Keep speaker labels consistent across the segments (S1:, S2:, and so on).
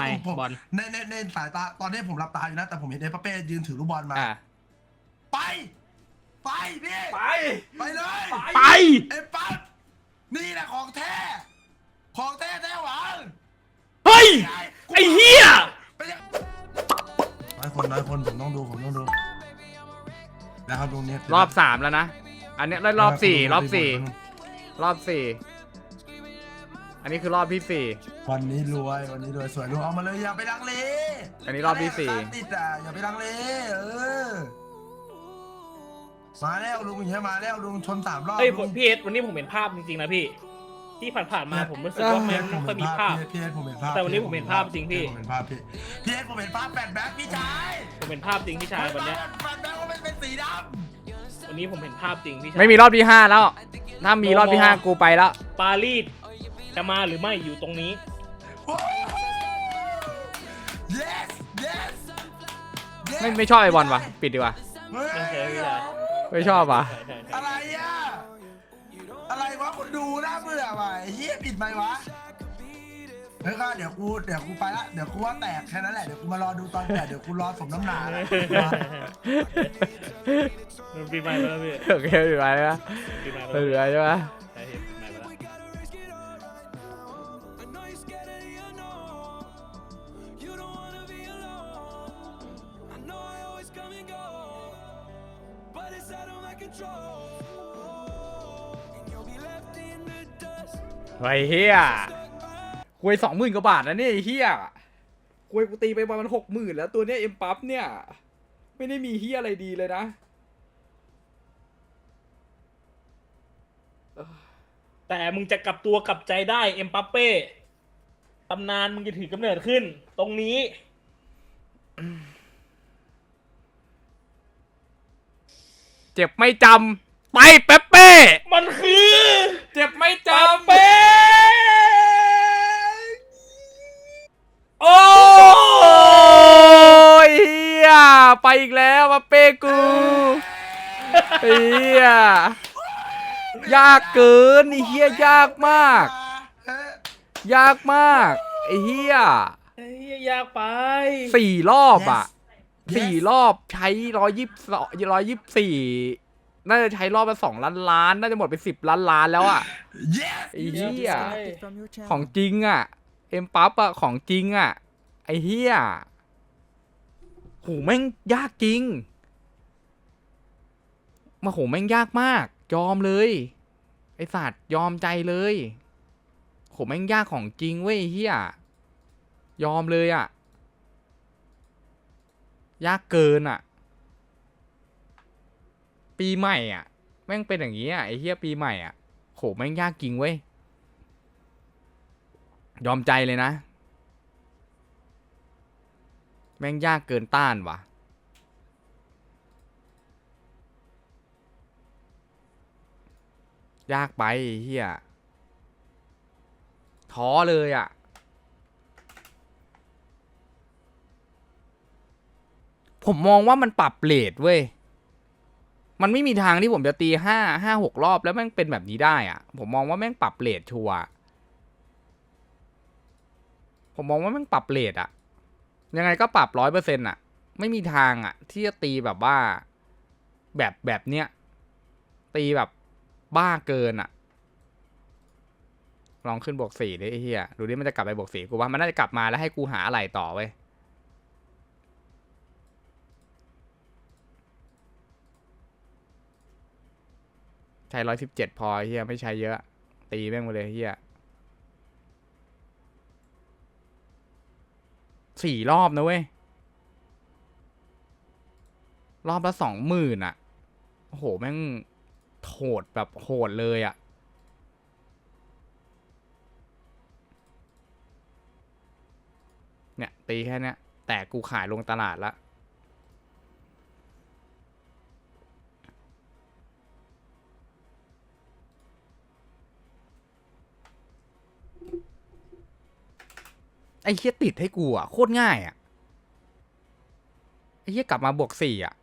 S1: ไม
S2: ผม
S1: บอล
S2: ในสายตาตอนนี้ผมหลับตาอยู่นะแต่ผมเห็นเอ็มบัปเป้ยืนถือลูกบอลมาไปไปพี่ไปเลย
S1: ไป
S2: เอ็มปั๊บนี่แหละของแท้แท้หวัง
S1: เฮ้ยไอ้เหี้ย
S2: น้อยคนผมต้องดูนะครับตรงนี้
S1: รอบ3แล้วนะอันนี้รอบ4รอบ4อันนี้คือรอบที่4
S2: วันนี้รวยสวยลุงเอามาเลยอย่าไปลังเล
S1: อันนี้รอบที่4
S2: ติดอ่ะอย่าไปลังเลมาแล้วลุงอย่างเงี้ยมาแล้วลุงชน3 รอบ
S3: เฮ้ยพี่เอสวันนี้ผมเห็นภาพจริงๆนะพี่ที่ผ่านๆมาผมรู้สึกว่ามันไม่ค่อยมีภาพ
S2: พี่เอสผมเห็นภาพ
S3: แต่วันนี้ผมเห็นภาพจริงพี่
S2: ผมเห็นภาพพี่เอสผมเห็นภาพแฟนแบ็คพี่ชาย
S3: ผมเห็นภาพจริงพี่ชายวันนี้
S2: แฟนแบ็คว่าเป็นสีด
S3: ำวันนี้ผมเห็นภาพจริงพี่ชาย
S1: ไม่มีรอบที่5แล้วถ้ามีรอบที่5กูไปแล้ว
S3: ปารีสจะมาหรือไม่อยู่ตรงนี้
S2: yes
S1: ไม่ชอบไอบอลวะปิดดีกว่าไม่ชอบวะ
S2: อะไรอ่ะอะไรวะคนดูน่าเบื่อว่ะเฮียปิดไหมวะเฮ้ยก็เดี๋ยวกูไปละเดี๋ยวกูว่าแตกแค่นั้นแหละเดี๋ยวกูมารอดูตอนแตกเดี๋ยวกูรอสมน้ำหนา
S3: ปีใหม่แล้วพี่
S1: โอเคปีใหม่แล้วปีใหม่ใช่ไหมไอ้เฮียคุย20,000 กว่าบาทนะเนี่ยไอ้เฮียคุยกูตีไปประมาณ60,000แล้วตัวเนี้ยเอ็มปั๊บเนี่ยไม่ได้มีเฮียอะไรดีเลยนะ
S3: แต่มึงจะกลับตัวกลับใจได้เอ็มบัปเป้ตำนานมึงจะถือกำเนิดขึ้นตรงนี้
S1: เจ็บไม่จำไปเป๊ปเป้
S3: มันคือ
S1: เจ็บไม่จำ
S3: เป้
S1: โอ้ยเฮียไปอีกแล้วมาเป้กูเฮียยากเกินไอ้เฮียยากมากไอ้เฮีย
S3: ยากไป
S1: 4 รอบอ่ะ4 รอบใช้124น่าจะใช้รอบละ2 ล้านน่าจะหมดไป10 ล้านแล้วอ่ะไอ้เฮียของจริงอ่ะเอ็มปั๊บอ่ะของจริงอ่ะไอ้เฮียโหแม่งยากจริงมาโหแม่งยากมากยอมเลยไอ้สัตว์ยอมใจเลยโหแม่งยากของจริงเว้ยเฮียยอมเลยอ่ะยากเกินอ่ะปีใหม่อ่ะแม่งเป็นอย่างนี้อ่ะไอ้เฮียปีใหม่อ่ะโหแม่งยากจริงเว้ยยอมใจเลยนะแม่งยากเกินต้านว่ะยากไปเฮียท้อเลยอ่ะผมมองว่ามันปรับเรทเว้ยมันไม่มีทางที่ผมจะตี5-6 รอบแล้วแม่งเป็นแบบนี้ได้อ่ะผมมองว่าแม่งปรับเรทชัวร์ผมมองว่าแม่งปรับเรทอ่ะยังไงก็ปรับ100%อ่ะไม่มีทางอ่ะที่จะตีแบบว่าแบบเนี้ยตีแบบบ้าเกินอ่ะลองขึ้น+4ดิไอ้เหี้ยดูดิมันจะกลับไป+4กูว่ามันน่าจะกลับมาแล้วให้กูหาอะไรต่อเว้ยใช้117พอเหี้ยไม่ใช้เยอะตีแม่งมาเลยเหี้ย4 รอบนะเว้ยรอบละ20,000อ่ะโอ้โหแม่งโหดแบบโหดเลยอ่ะเนี่ยตีแค่เนี้ยแต่กูขายลงตลาดละไอ้เหี้ยติดให้กูอ่ะโคตรง่ายอ่ะไอ้เหี้ยกลับมา+4อ่ะ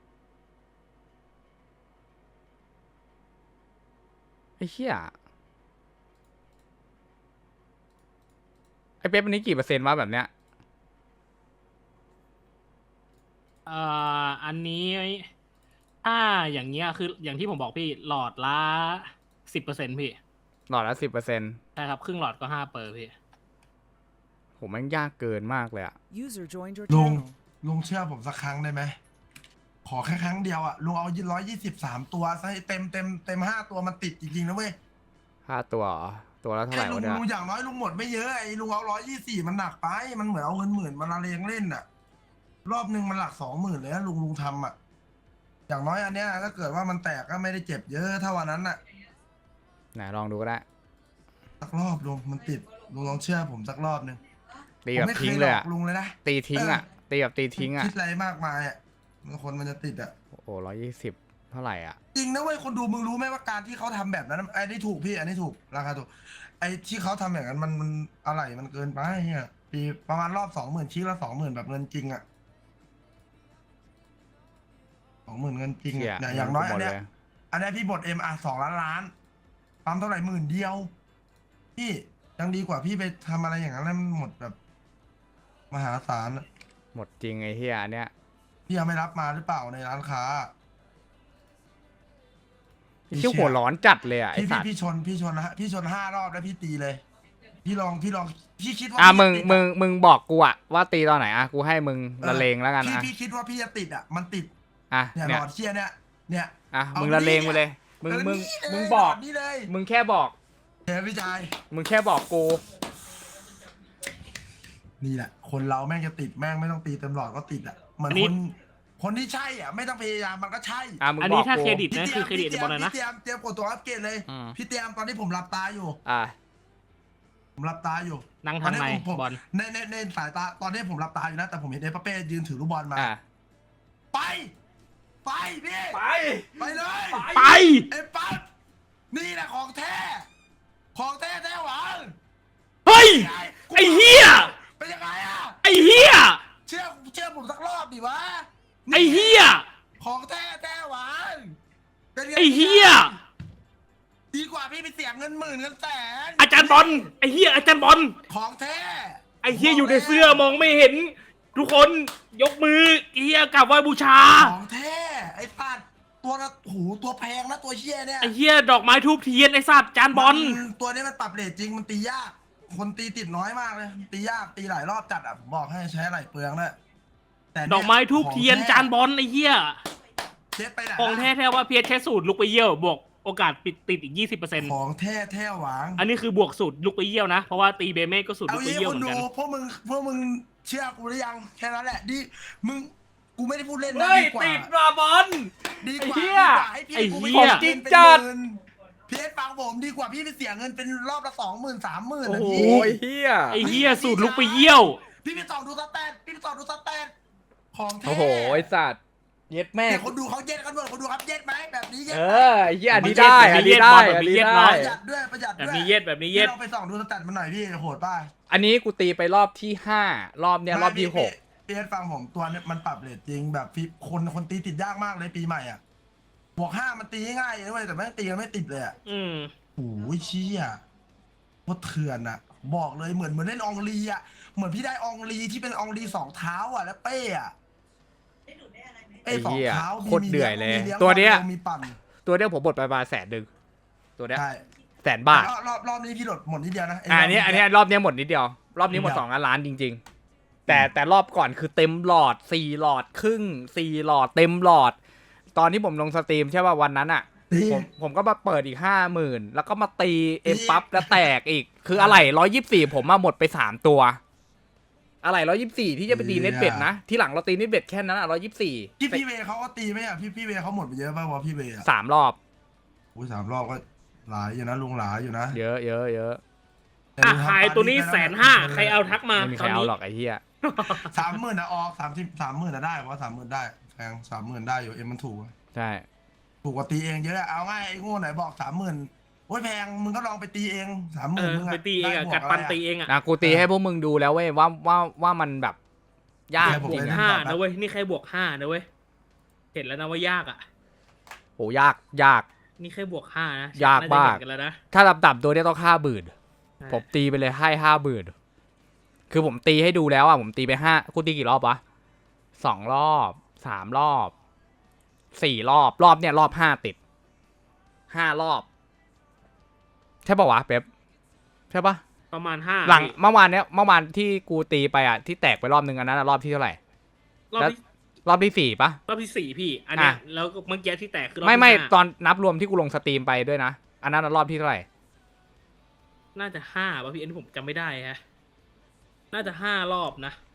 S1: ไอ้เหี้ยไอ้เป๊ปวันนี้กี่เปอร์เซ็นต์วะแบบเนี้ย
S4: อันนี้ถ้าอย่างเงี้ยคืออย่างที่ผมบอกพี่หลอดละ10%พี่
S1: หลอดละ10%
S4: ใช่ครับครึ่งหลอดก็5%พี่
S1: ผมแม่งยากเกินมากเลยอะ
S5: User joined your
S2: ลุง
S5: channel.
S2: ลุงเชื่อผมสักครั้งได้ไหมขอแค่ครั้งเดียวอะลุงเอา123ตัวซะให้เต็ม5ตัวมันติดจริงๆนะเว้ย
S1: 5 ตัวเหรอตัวละเท่าไห
S2: แค่
S1: ร่
S2: ลุ
S1: วะ
S2: ง
S1: เนี่ย
S2: ลุงอย่างน้อยลุงหมดไม่เยอะไอ้ลุงเอา124มันหนักไปมันเหมือนเอาเงินหมื่นมาละเลงเล่นอะรอบหนึ่งมันหลัก20,000เลยนะลุงทำอะอย่างน้อยอันเนี้ยถ้าเกิดว่ามันแตกก็ไม่ได้เจ็บเยอะเท่าวันนั้นอะ
S1: ไหนลองดูก็ได้
S2: สักรอบลุงมันติดลุงลองเชื่อผมสักรอบหนึ่ง
S1: ตี
S2: ผม
S1: แบบ
S2: ไม่เค
S1: ทิ้ง
S2: ยห
S1: เล
S2: ล
S1: ย
S2: อ
S1: อะ
S2: กลุงเลยนะ
S1: ตีทิ้งอะตีแบบตีทิ้งอะ
S2: คิดอะไรมากมายอะคนมันจะติดอะ
S1: โอ้โห120เท่าไหร่อะ
S2: จริงนะเว้ยคนดูมึงรู้ไหมว่าการที่เขาทำแบบนั้นไอ้นี่ถูกพี่อันนี้ถูกราคาถูกไอ้ที่เขาทำอย่างนั้นมันอะไรมันเกินไปเนี่ยปีประมาณรอบ20,000ชิ้นละ20,000แบบเงินจริงอะ20,000เงินจริง
S1: เชี่ย
S2: อะเนี่ยอย่างน้อย
S1: หม
S2: อั
S1: ด
S2: นเนี้ย
S1: เลย
S2: อันเนี้ยพี่บด2 ล้านปั๊มเท่าไหร่10,000เดียวพี่ยังดีกว่าพี่ไปทำอะไรอย่างนั้นแล้วมันหมดแบบมหาศาลอะ
S1: หมดจริงไอ้เฮียอันเนี้ย
S2: พี่ยังไม่รับมาหรือเปล่าในร้านค้า
S1: ชื่อหัวร้อนจัดเลยอะไอ้
S2: พี่
S1: สัตว์
S2: พี่ชนนะฮะพี่ชน5 รอบแล้วพี่ตีเลย พี่ลองพี่คิดว่า
S1: อ่ะ
S2: พี่จะติด
S1: มึงบอกกูอะว่าตีตอนไหนอะกูให้มึงละเลงแล้วกัน
S2: พี่
S1: อะ
S2: พี่คิดว่าพี่จะติดอ่ะมันติด
S1: อ่ะ
S2: เนี่ยห
S1: เนี่
S2: ล
S1: ย
S2: อดเชียร์เนี่ย
S1: อ่ะ
S2: เอา
S1: มึงละเลงไปเลย มึง
S2: เออ
S1: มึง
S2: นี่เลย
S1: มึงบอก
S2: หลดนี่เลย
S1: มึงแค่บอก
S2: เดี๋ยวพี่ชาย
S1: มึงแค่บอกกู
S2: นี่แหละคนเราแม่งจะติดแม่งไม่ต้องตีเต็มหลอดก็ติดอ่ะเหมือน
S4: อันนี้
S2: คนที่ใช่อ่ะไม่ต้องพยายามมันก็ใช่
S1: อ่ะมึง
S4: อัน
S1: บ
S4: นี้
S1: อก
S4: ถ้า
S1: กู
S4: เครดิต
S2: พี่
S4: นะคือเครดิตบอลนะ
S2: พี่เตรียมกดตัวอัปเกรดเลย
S1: อืม
S2: พี่เตรียมตอนนี้ผมหลับตาอยู่
S1: อ่ะ
S2: ผมหลับตาอยู่
S4: นั่งทางใน
S2: ผม
S4: บอล
S2: ในสายตาตอนนี้ผมหลับตาอยู่นะแต่ผมเห็นเอเปเป้ยืนถือลูกบอลมา
S1: อ่ะ
S2: ไปพี่ไปเลย
S4: ไป
S2: ไอ้ปั๊บนี่แหละของแท้แท้หวัง
S4: เฮ้ย ไอ้เหี้ย
S2: เป็นยังไงอ่ะ
S4: ไอ้เหี้ย
S2: เชื่อผมสักรอบดิวะ
S4: ไอ้เหี้ย
S2: ของแท้หวังเป็นง
S4: ไอ้เหี้ย
S2: ดีกว่าพี่ไปเสียเงิน10,000เงินแสน
S4: อาจารย์บอล ไอ้เหี้ย อาจารย์บอล
S2: ของแท้
S4: ไอ้เหี้ยอยู่ในเสื้อมองไม่เห็น ทุกคนยกมือไอ้เหี้ยกราบไหว้บูชา
S2: ของแท้ไอ้ปัดตัวละหูตัวแพงนะตัวเชี่ยเนี่ย
S4: ไอ้เหี้ยดอกไม้ทูบเทียนไอ้สัตว์จานบอล
S2: ตัวนี้มันปรับเรทจริงมันตียาก คนตีติดน้อยมากเลย ตียากตีหลายรอบจัดอ่ะผมบอกให้ใช้ไหลเปลืองเลยแต่เนี่ย
S4: ดอกไม้ทูบเทียนจานบอลไอ้เหี้ย
S2: เช็ดไปไหน
S4: ของแท้ๆว่าเพียรใช้สูตรลุกไปเยี่ยวบวกโอกาสติดอีก 20%
S2: ของแท้หวัง
S4: อันนี้คือบวกสูตรลุกไปเยี่ยวนะ เพราะว่าตีเบเม่ก็สูตร
S2: เอา
S4: ลุกไป
S2: งี้
S4: เยี่ยว
S2: ค
S4: เห
S2: น
S4: มือน
S2: ดู
S4: กัน
S2: พวกมึงเชื่อกูหรือยังแค่นั้นแหละดิมึงกูไม่ได้พูดเล่นนะ
S4: เฮ้ย
S2: ดีกว่า
S4: ติดราบอล
S2: ดีกว่า
S4: ไอ้เหี้ย
S2: ให้พี่
S4: ไอ้
S2: กู
S4: เหี้
S2: ไม่
S4: ย
S2: เสียเงิน
S1: จริง
S2: เป็น
S1: จัด
S2: หมื่นพี่เอสฟังผมดีกว่าพี่ไปเสียเงินเป็นรอบละ20,000 30,000
S4: โอ้
S2: นะ
S4: โห
S2: พี่
S1: โอ้ยเฮีย
S4: ไอ้เหี้ยสูตรลุกไปเยี่ยว
S2: พี่ไปส่องดูสแตทของแท้
S1: โอ้โหไอ้สัตว์เย็ดแม่
S2: แต่คนดูเขาเย็ดกันหมดคนดูครับเย็ดไหมแบบนี้เย็ด
S1: เอ
S2: ไหม
S1: อไอ้เฮียอันนี้
S4: มัน
S1: ได้
S4: เย็ด
S1: อันนี้ได้
S4: แบบ
S1: อัน
S4: นี้
S1: นี้
S4: เย็ด
S1: ได้
S4: เนอะ
S2: ประหยัดด้วยแบบ
S4: แบบ
S2: นี้
S4: นี้เย็ดแบบนี้เย็ด
S2: เราไปส่องดูสแตทมันหน่อยพี่โหดป่ะ
S1: อันนี้กูตีไปรอบที่5รอบเนี้ยรอบที่6
S2: พี่เอสฟังผมตัวเนี้ยมันปรับเรทจริงแบบพี่คนตีติดยากมากเลยปีใหม่อ่ะบวก5มันตีง่ายเลยแต่ไม่ตีกันไม่ติดเลยอ่ะ
S4: อืม
S2: โอ้ยเชี่ยโคตรเถื่อนอ่ะ บอกเลยเหมือนเล่นอองลีอ่ะเหมือนพี่ได้อองลีที่เป็นอองลี2 เท้าอ่ะแล้วเป้อ่ะเป้สองเท้า
S1: โคตรเดือยเลย
S2: มี
S1: ตัวเนี้ย
S2: มีปั่น
S1: ตัวเนี้ยผมบดไปประมาณ100,000ตัวเนี้ย
S2: ใช่
S1: 100,000 บาท
S2: รอบนี้พี่หลดหมดนิดเดียวนะไ
S1: อันนี้รอบเนี้ยหมดนิดเดียว รอบนี้หมด2 ล้านจริง ๆ แต่รอบก่อนคือเต็มหลอด4 หลอดครึ่ง4 หลอดเต็มหลอด ตอนที่ผมลงสตรีมใช่ป่ะวันนั้นอ่ะ
S2: ตี
S1: ผมก็มาเปิดอีก50,000แล้วก็มาตีเอ็มปั๊บแล้วแตกอีก คืออะไร124ผมมาหมดไป3 ตัว อะไร124ที่จะไปตีเน็ตเบ็ดนะ ที่หลังเราตีเน็ตเบ็ดแค่นั้นอ่ะ124
S2: พี่เวย์เขาก็ตีไหมอ่ะพี่เวย์เขาหมดไปเยอะป่ะวะพี่เวย์อ่ะ
S1: 3 รอบ
S2: โอ้ย3 รอบก็หลายอยู่นะลุงหลายอยู่นะ
S1: เยอะเยอะเยอะ
S4: อ่ะขายตัวนี้150,000ใครเอาทักมา
S1: ไม่มีใค
S4: ต
S1: ร
S4: อน
S1: เอา
S4: นี้
S1: หรอกไอ้เหี้ย
S2: 30,000นะออก30,000นะได้เพราะ30,000ได้แพง30,000ได้อยู่เอ็มมันถูก
S1: ใช่
S2: ถูกกว่าตีเองเยอะเอาง่ายไอ้โง่ไหนบอก30,000โอ้ยแพงมึงก็ลองไปตีเอง30,000มึง
S4: ไปตีเองอะ
S2: บว
S4: กัดปัน
S2: ะไร
S4: ตีเองอะ
S1: นะกูตีให้พวกมึงดูแล้วเว้ยว่ามันแบบยาก
S2: ผม
S4: บว
S1: จริ
S4: ก
S1: ง
S2: เลย
S1: อะ
S4: 5นะเว้ย นี่แค่บวก5นะเว้ย เห็นแล้วนะว่ายากอ่ะ
S1: โหยาก
S4: นี่แค่บวก5นะ
S1: ยากมาก
S4: น่จะเห็นกันแล้วนะ
S1: ถ้าต่ำๆตัวเนี้ยต้อง50,000ผมตีไปเลยให้50,000คือผมตีให้ดูแล้วอ่ะผมตีไป5กูตีกี่รอบวะ2 รอบ 3 รอบ 4 รอบรอบเนี่ยรอบ5 ติด 5 รอบ ใช่ป่าวะเป๊ปใช่ปะ
S4: ประมาณห้า
S1: หลัง
S4: พี่
S1: เมื่อวานที่กูตีไปอ่ะที่แตกไปรอบนึงอันนั้นอะรอบที่เท่าไหร่
S4: รอบ
S1: แล้ว
S4: ที่
S1: รอบที่ 4ปะ
S4: รอบที่สี่พี่ อันเนี้ย
S1: อ่ะ
S4: แล้วก็เมื่อกี้ที่แตกคือรอบ
S1: ไม่
S4: ที่
S1: ไม่
S4: ห้า
S1: ตอนนับรวมที่กูลงสตรีมไปด้วยนะอันนั้นอะรอบที่เท่าไหร่
S4: น่าจะห้าป่ะพี่อันนี้ผมจำไม่ได้ฮะ น่าจะ5 รอบนะ